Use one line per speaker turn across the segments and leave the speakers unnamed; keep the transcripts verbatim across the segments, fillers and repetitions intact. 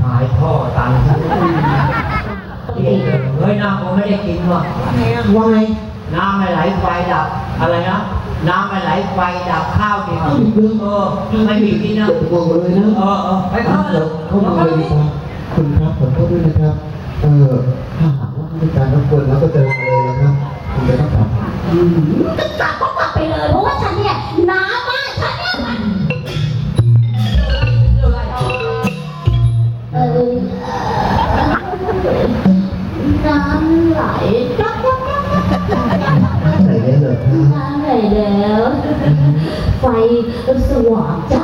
หายท่อตันทั้งที่เฮ้ยน้ำผมไม่ได้กินว่ะว่าไงน้ำไม่ไหลไฟดับอะไรนะน้ำไม่ไหลไฟดับข้าวกินเออไม่มีกินนะ
วางเลยนะ
เออเออไปเข้าเลย
เข้ามาเลยดีกว่าคุณครับขอโทษด้วยนะครับเออถ้าหากว่าไม่การรบกวนแล้วก็เจอมาเลยนะครับคุณจะต้องกลับ
จะกลับก็กลับไปเลยเพราะว่าฉันเนี่ยน้ำมากฉันเนี่ยมันเออน้ำไหลจับจับจับ
ไหนได้เลย
น้ำไหลแล้วไฟสว่างจ้า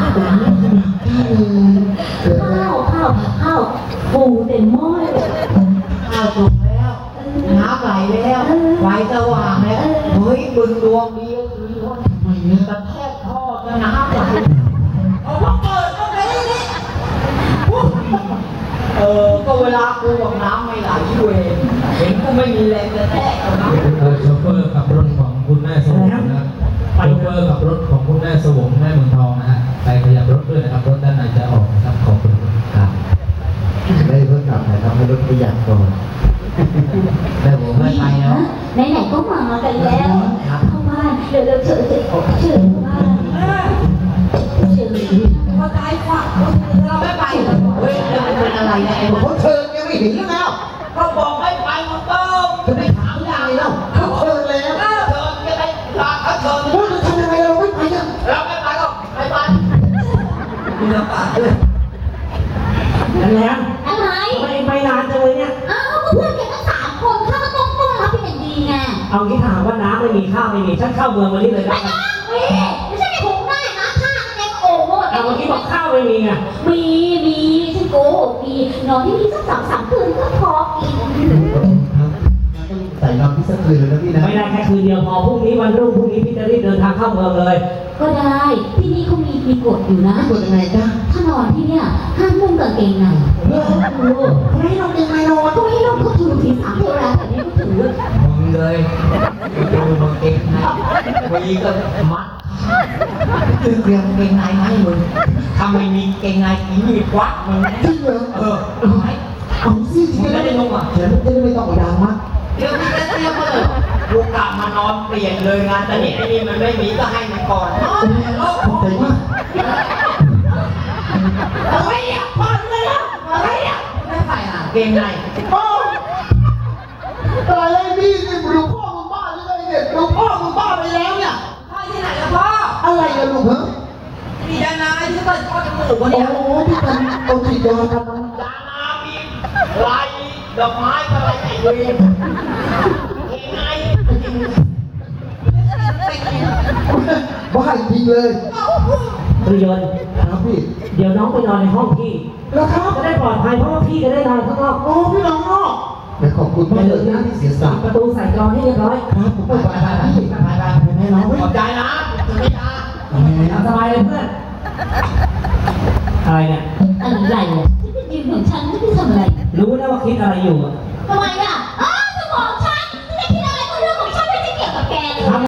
ข้าวข้าวข้าวปูเต็มหม้อ
ข้าวสุกแล้วน้ำไหลแล้วไฟสว่างแล้วเฮ้ยบึงดวงดีคือว่าทำไมเนี่ยกระแทกท่อแล้วน้ำไหลเอาว่าเปิดก็ได้นี่เออก็เวลากูบอกน้ำไม่ไหลเวรเห็นกูไม่มีแรงกระแทกเอาน้ำ
โชเฟอร์ขับรถของคุณแม่สวงนะโชเฟอร์ขับรถของคุณแม่สวงแม่เมืองทองนะฮะไปขยับรถด้วยนะครับรถด้านในจะออกนะครับขอบคุณครับ
ได้เพิ่งกลับนะครับให้รถประหยัดก่อน
แต่ผมไม่ไปแล้ว
ไหนๆก็มากันแล้วเข้าบ้านเดี๋ยวเราเชิญเชิญเชิญเข้าบ้านเชิญ
เขาตายขวางเราไม่ไปเฮ้ยเป็นอะไรเนี่ยไอ้
เขาเชิญยังไม่เห็นแล้ว
เขาบอกไม่ไปมันต้อง
จะไม่ถามยังไงแล้วเขาเชิญแล้ว
เชิญยังไงลาเขาเชิญ
ว่าจะทำยังไงเราไม่ไปกัน
เราไม่ไปก็ไม่ไปมีน้ำตาด้วย
อะไรอะไร
ไม่ไม่นานจังเลยเนี่ย
อ้าวเพื่อนแกทั้งสามคนข้าก็ต้องต้อนรับเป็นอย่างดีไง
เอางี้ถามว่าน้ำไม่มีข้าวไม่มีฉันเข้าเมืองมาที่เลย
นะไม่ต้องไม่ใช่ไม่ถูกได้นะข้าแกก็โอ้โห
เอาเมื่อกี้บอกข้าวไม่มีไง
มีมีฉันโกหกมีนอนที่นี่สักสามสามคืนก็พอกิน
ใส่นอนที่สักคืนเลยนะพี่นะ
ไม่ได้แค่คืนเดียวพอพรุ่งนี้วันรุ่งพรุ่งนี้พี่จะรีบเดินทางเข้าเมืองเลย
ก็ได้ที่นี่เขามีมีกฎอยู่นะ
กฎยังไงจ้า
ถ้านอนที่เนี่ยห้ามนุ่งกางเกงใน
ไม่ให้นุ่งกางเกงในนอน
ก็ไม่ให้นุ่งเขาถือทีสามเทวดาแต่นี่ก็ถือ
มึงเลยดูกางเกงในมีก็มัดซื้อเกลียงเกงในไหมมึงถ้าไม่มีเกงในอีนี่ควักมึง
จริงเหรอ
เออเอาไหม
เอาสิ
มึงไม่ได้นุ่งอ่ะ
เดี๋ยวจะไม่ต้องดังมาก
เดี๋ยวมึงจะเตรียมมาเลยกูกลับมานอนเปลี่ยนเลยงานแต่นี่ไอ้นี่มันไม่มีก็ให้มันก่อนนอนโลกของผมอะไรอ่ะพอเลยอ่ะอะไรอ่ะไม่ใส่อ่ะเกงใน
พ่ออะไรนี่นี่ดูพ่อมึงบ้าหรือไงเนี่ยดูพ่อมึงบ้าไปแล้วเนี่ย
พ่อที่ไหนล่ะพ่อ
อะไรกันลูกเหรอ
มียานาที่เปิดพ่อจมูกวันนี้
โอ้ที่กันโอ้ที่ยากัน
ยานามีลายดอกไม้อะไรไอ้เวรเกงใน
บ้าจริงเลย
ตุยน
ครับพี่
เดี๋ยวน้องไปนอนในห้องพี่
แล้วครับ
จะได้ปลอดภัยเพราะว่าพี่จะได้นอนข้างนอก
โอ้พี่น้องนอกแต่ขอบคุณมากเลยนะที่เสียสละ
ประตูใส่กรอนให้เรียบร้อย
ครับผมไปไปไปไปไปไปให้น้อง
ขอบใจนะไม่ยาสบายเลยเพื่อนอะไรเนี่ย
อะไรอ่ะที่ไปยืนของฉันไม่ได้ทำอะไร
รู้นะว่าคิดอะไรอยู่
ทำไมอ่ะ